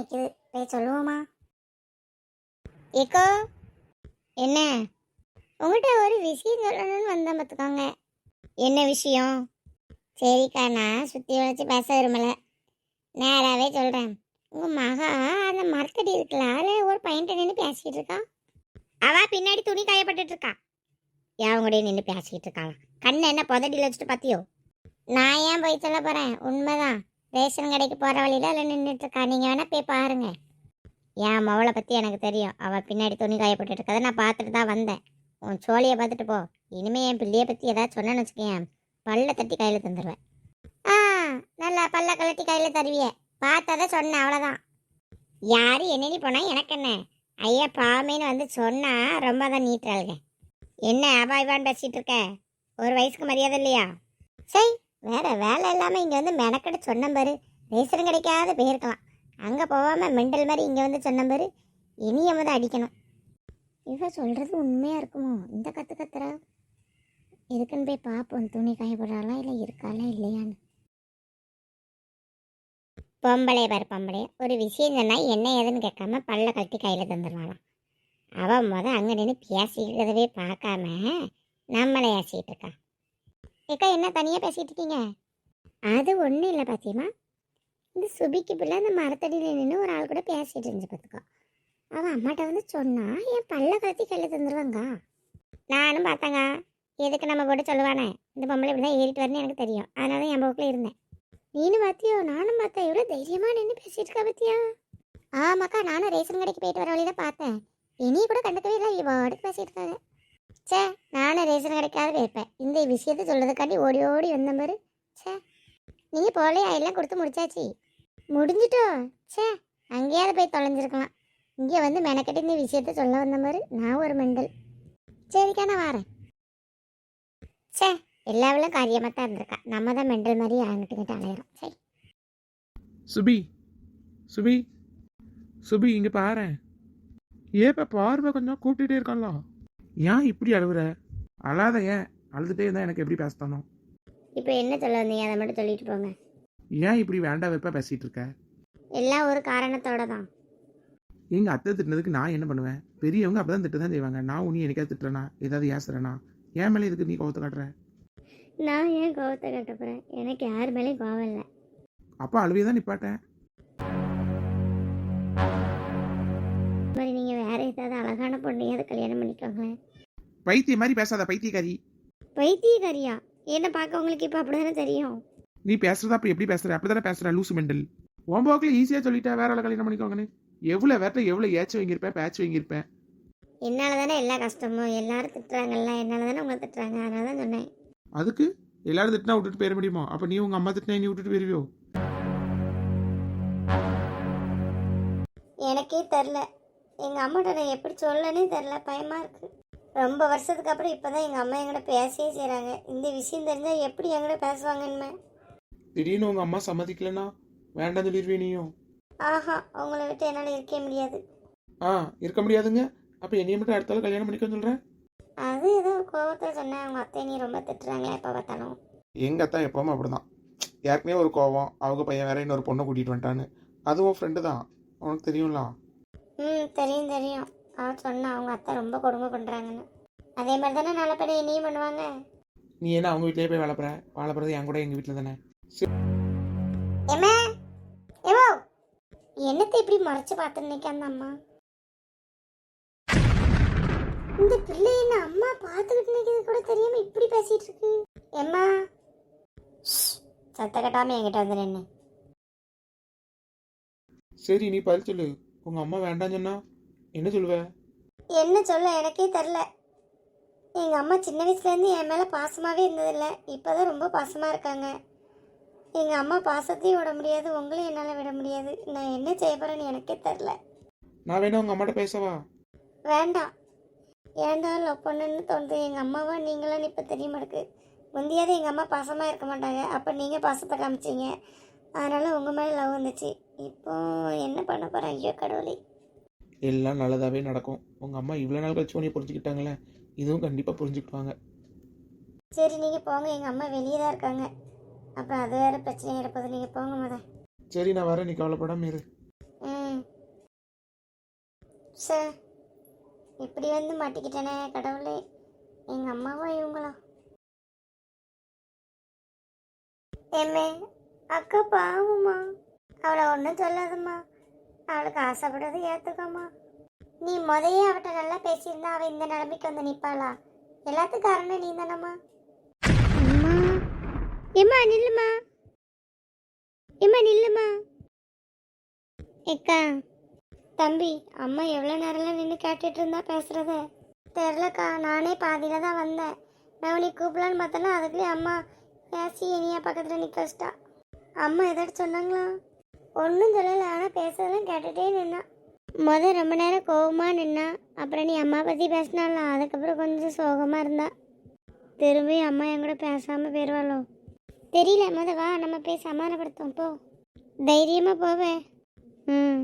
நிற்கிது, போய் சொல்லுவோமா? ஏக்கோ, என்ன? உங்கள்கிட்ட ஒரு விஷயம் சொல்லணும்னு வந்தேன் பார்த்துக்கோங்க. என்ன விஷயம்? சரிக்கா, நான் சுற்றி வளைச்சி பேச விரும்பலை, நேராகவே சொல்கிறேன். உங்கள் மகா அந்த மரத்தடி இருக்குல்ல, அதில் ஒரு பையன்கிட்ட நின்று பேசிக்கிட்டு இருக்கான். அவள் பின்னாடி துணி காயப்பட்டுட்டு இருக்கா. அவங்கடைய நின்று பேசிக்கிட்டு இருக்காளா? கண்ணை என்ன புதடியில் வச்சுட்டு பார்த்தியோ? நான் ஏன் போய் சொல்ல போகிறேன், உண்மைதான். ரேஷன் கடைக்கு போகிற வழியில் அதில் நின்றுட்டு இருக்கா. நீங்கள் வேணால் போய் பாருங்க. என் மவளை பற்றி எனக்கு தெரியும். அவள் பின்னாடி துணி காயப்பட்டு இருக்கதை நான் பார்த்துட்டு தான் வந்தேன். உன் சோழியை பார்த்துட்டு போ. இனிமேல் என் பிள்ளையை பற்றி ஏதாவது சொன்னேன்னு வச்சுக்கேன், பல்ல தட்டி கையில் தந்துடுவேன். ஆ, நல்லா பல்ல கழட்டி கையில் தருவியே, பார்த்ததை சொன்னேன், அவ்வளோதான். யார் என்னென்னு போனால் எனக்கு என்ன? ஐயா பாமேன்னு வந்து சொன்னால் ரொம்ப தான் நீட்டுறாளுங்க. என்ன அபாய்வான்னு பேசிகிட்டு இருக்க? ஒரு வயசுக்கு மரியாதை இல்லையா? சரி, வேற வேலை இல்லாமல் இங்கே வந்து மெனக்கெட்டு சொன்னம்பாரு. ரேஷன் கிடைக்காத போயிருக்கலாம், அங்கே போகாமல் மெண்டல் மாதிரி இங்கே வந்து சொன்னம்பாரு. இனிய வந்து அடிக்கணும். இவ சொல்கிறது உண்மையாக இருக்குமோ? இந்த கத்துறா. எதுக்குன்னு போய் பார்ப்போம், துணி காயப்படுறாளா இல்லை இருக்காளா இல்லையான்னு. பொம்பளை பாரு, பொம்பளை ஒரு விஷயம் சொன்னால் என்ன ஏதுன்னு கேட்காம பல்ல கழட்டி கையில் தந்துடுவாளாம். அவன் அங்கே நின்று பேசிக்கிறதவே பார்க்காம நம்மளை ஏசிக்கிட்டு இருக்கா. ஏக்கா, என்ன தனியாக பேசிகிட்டு இருக்கீங்க? அது ஒன்றும் இல்லை பாத்தியம்மா, இந்த சுபிக்கு பிள்ளை அந்த மரத்தடியில் நின்று ஒரு ஆள் கூட பேசிகிட்டு இருந்துச்சு பார்த்துக்கோ. அவன் அம்மாட்ட வந்து சொன்னா என் பல்ல கத்தி கையில் தந்துடுவாங்க. நானும் பார்த்தேங்க, எதுக்கு நம்ம போட்டு சொல்லுவானே, இந்த பொம்பளை இப்படி தான் ஏறிட்டு வரணும்னு எனக்கு தெரியும். அதனால தான் என் போக்கில் இருந்தேன். நீனும் பார்த்தியோ? நானும் பார்த்தேன். எவ்வளோ தைரியமாக நின்று பேசிகிட்டு இருக்கா பார்த்தியா? ஆமாக்கா, நானும் ரேஷன் கடைக்கு போயிட்டு வர வழியில் பார்த்தேன். இனியும் கூட கண்டுக்கவே இல்லை, இவாடுக்கு பேசிகிட்டு இருக்காங்க. சே, நானும் ரேஷன் கடைக்காவது வைப்பேன். இந்த விஷயத்த சொல்கிறதுக்காண்டி ஓடி ஓடி வந்த பாரு. சே, நீங்கள் போலையா? எல்லாம் கொடுத்து முடிச்சாச்சு. முடிஞ்சிட்டோ? சே, அங்கேயாவது போய் தொலைஞ்சிருக்கலாம். இங்கே வந்து மெனக்கட்டி இந்த விஷயத்த சொல்ல வந்த மாதிரி நான் ஒரு மெண்டல். சரிக்கா, நான் வரேன். சே, எல்லாவளும் காரியமாக தான் இருந்திருக்கா. நம்ம தான் மெண்டல் மாதிரி ஆகிட்டு அலையிறோம். சரி. சுபி, சுபி, சுபி, இங்கே பாரு. ஏப்பா பார்வை கொஞ்சம் கூப்பிட்டுட்டே இருக்கான்ல, ஏன் இப்படி அழுகுற? அழாத, ஏன் அழுதுகிட்டே இருந்தால் எனக்கு எப்படி பேசத்தானோ? இப்போ என்ன சொல்ல வந்தீங்க, அதை மட்டும் சொல்லிட்டு போங்க. ஏன் இப்படி வேண்டாம் வெப்பா பேசிகிட்டு இருக்க? எல்லாம் ஒரு காரணத்தோட தான். எங்கள் அத்தை திட்டினதுக்கு நான் என்ன பண்ணுவேன்? பெரியவங்க அப்போ தான் திட்டு தான் செய்வாங்க. நான் உன்னை எனக்காவது திட்டுறேனா, ஏதாவது ஏசுறேனா? ஏன் மேலே இதுக்கு நீ கோவத்தை காட்டுற? நான் ஏன் கோவத்தை காட்ட போகிறேன்? எனக்கு யார் மேலேயும் கோவம் இல்லை. அப்போ அழுவே தான் நிப்பாட்டேன். மாதிரி நீங்கள் வேற ஏதாவது அழகான பொண்ணையாவது கல்யாணம் பண்ணிக்கோங்களேன். பைத்திய மாதிரி பேசாத, பைத்தியக்காரி. பைத்தியக்காரியா? என்ன பார்க்க உங்களுக்கு இப்போ அப்படி தானே தெரியும். நீ பேசுறதா அப்படி எப்படி பேசுற? அப்படி தானே பேசுற, லூசு மெண்டல். உன் போக்கில் ஈஸியாக சொல்லிட்டா வேற ஆளை கல்யாணம் பண்ணிக்கோங்கன்னு. எவ்வளோ வேட்ட எவ்வளோ ஏச்சு வாங்கியிருப்பேன், பேச்சு வாங்கியிருப்பேன். என்னால் தானே எல்லா கஷ்டமும். எல்லாரும் திட்டுறாங்கல்ல, என்னால் தானே உங்களை திட்டுறாங்க, அதனால தான் சொன்னேன். அதுக்கு எல்லாரும் திட்டினா விட்டுட்டு போயிட முடியுமா? அப்போ நீ உங்கள் அம்மா திட்டினா நீ விட்டுட்டு போயிருவியோ? எனக்கே தெரில, எங்கள் அம்மாட்ட நான் எப்படி சொல்லனே தெரில, பயமாக இருக்குது. ரொம்ப வருஷத்துக்கு அப்புறம் இப்போ தான் எங்கள் அம்மா எங்கிட்ட பேசவே செய்கிறாங்க. இந்த விஷயம் தெரிஞ்சால் எப்படி எங்கிட்ட பேசுவாங்கன்னு. திடீர்னு உங்கள் அம்மா சம்மதிக்கலன்னா வேண்டாம் சொல்லிடுவே நீயும்? ஆஹா, அவங்கள விட்டு என்னால் இருக்கவே முடியாது. இருக்க முடியாதுங்க. அப்போ என்னைய மட்டும் அடுத்தால கல்யாணம் பண்ணிக்கன்னு சொல்கிறேன். அது ஏதோ கோவத்தில் சொன்னேன். அவங்க அத்தை நீ ரொம்ப திட்டுறாங்களே எப்போ பார்த்தாலும். எங்கள் அத்தா எப்போவுமே அப்படிதான். ஏற்கனவே ஒரு கோவம், அவங்க பையன் வேற இன்னொரு பொண்ணை கூட்டிகிட்டு வந்துட்டான்னு. அதுவும் ஃப்ரெண்டு தான், உனக்கு தெரியும்ல? தெரியும் தெரியும். அவன் சொன்னா அவங்க அத்தை ரொம்ப கொடுமை பண்ணுறாங்கன்னு. அதே மாதிரி தானே நல்ல பேர் என்னையும் பண்ணுவாங்க. நீ என்ன அவங்க வீட்டிலேயே போய் வாழப்படுறது என் கூட எங்கள் வீட்டில் தானே. என்னத்தை இப்படி மறைச்சு பார்த்துருக்கேன் அந்த அம்மா? இந்த பிள்ளை என்ன அம்மா பார்த்துக்கிட்டு நிற்கிறது கூட தெரியாம இப்படி பேசிட்டு இருக்கு. எம்மா, சத்த கட்டாம என்கிட்ட வந்து நின்று. சரி, நீ பதில் சொல்லு. உங்க அம்மா வேண்டாம் சொன்னா என்ன சொல்லுவ? என்ன சொல்ல எனக்கே தெரில. எங்கள் அம்மா சின்ன வயசுலேருந்து என் மேலே பாசமாகவே இருந்ததில்லை. இப்போ தான் ரொம்ப பாசமாக இருக்காங்க. எங்கள் அம்மா பாசத்தையும் விட முடியாது, உங்களையும் என்னால் விட முடியாது. நான் என்ன செய்ய போகிறேன்னு எனக்கே தெரில. நான் வேணா உங்கள் அம்மாட்ட பேசவா? வேண்டாம். ஏன்டா லவ் பண்ணுன்னு தோணுது. எங்கள் அம்மாவா நீங்களான்னு இப்போ தெரிய மாட்டேக்கு. முந்தியாவது எங்கள் அம்மா பாசமாக இருக்க மாட்டாங்க, அப்போ நீங்கள் பாசத்தை காமிச்சிங்க, அதனால் உங்கள் மேலே லவ் வந்துச்சு. இப்போ என்ன பண்ண போகிறேன்? ஐயோ கடவுளே. எல்லாம் நல்லதாகவே நடக்கும். உங்கள் அம்மா இவ்வளோ நாள் கழிச்சு உன்னை புரிஞ்சுக்கிட்டாங்களே, இதுவும் கண்டிப்பாக புரிஞ்சுக்கிட்டாங்க. சரி நீங்கள் போங்க, எங்கள் அம்மா வெளியே தான் இருக்காங்க, அப்புறம் அது வேறு பிரச்சனை இருப்பது. நீங்கள் போங்க முத. சரி, நான் வரேன், நீ கவலைப்படாம இரு. சார் இப்படி வந்து மாட்டிக்கிட்டேனே கடவுளே. எங்கள் அம்மாவா இவங்களா? ஏமே அக்கா பாவம்மா, அவளை ஒன்றும் சொல்லாதம்மா. அவளுக்கு ஆசைப்படுறது ஏற்றுக்கம்மா. நீ முதையே அவட்ட நல்லா பேசியிருந்தா அவள் இந்த நிலைமைக்கு வந்து நிற்பாளா? எல்லாத்துக்கும் காரணம் நீ தானம்மா. அம்மா ஏம்மா நில்லுமா, ஏம்மா நில்லுமா. ஏக்கா தம்பி, அம்மா எவ்வளோ நேரம்லாம் நின்று கேட்டுட்டு இருந்தா பேசுகிறத தெரிலக்கா. நானே பாதியில் தான் வந்தேன். நான் உனக்கு கூப்பிடலான்னு பார்த்தேன்னா அதுக்குள்ளே அம்மா பேசி இனியா பக்கத்தில் நிற்க வச்சிட்டா. அம்மா ஏதாச்சும் சொன்னாங்களா? ஒன்றும் சொல்லலை, ஆனால் பேசுறதெல்லாம் கேட்டுகிட்டே நின்னா. ரொம்ப நேரம் கோவமாக நின்னா. அப்புறம் நீ அம்மா பற்றி பேசினாலாம், அதுக்கப்புறம் கொஞ்சம் சோகமாக இருந்தா. திரும்பி அம்மா என் கூட பேசாமல் போயிடுவாளோ தெரியல. வா நம்ம போய் சமாதானப்படுத்தோம் போ. தைரியமாக போவே. ம்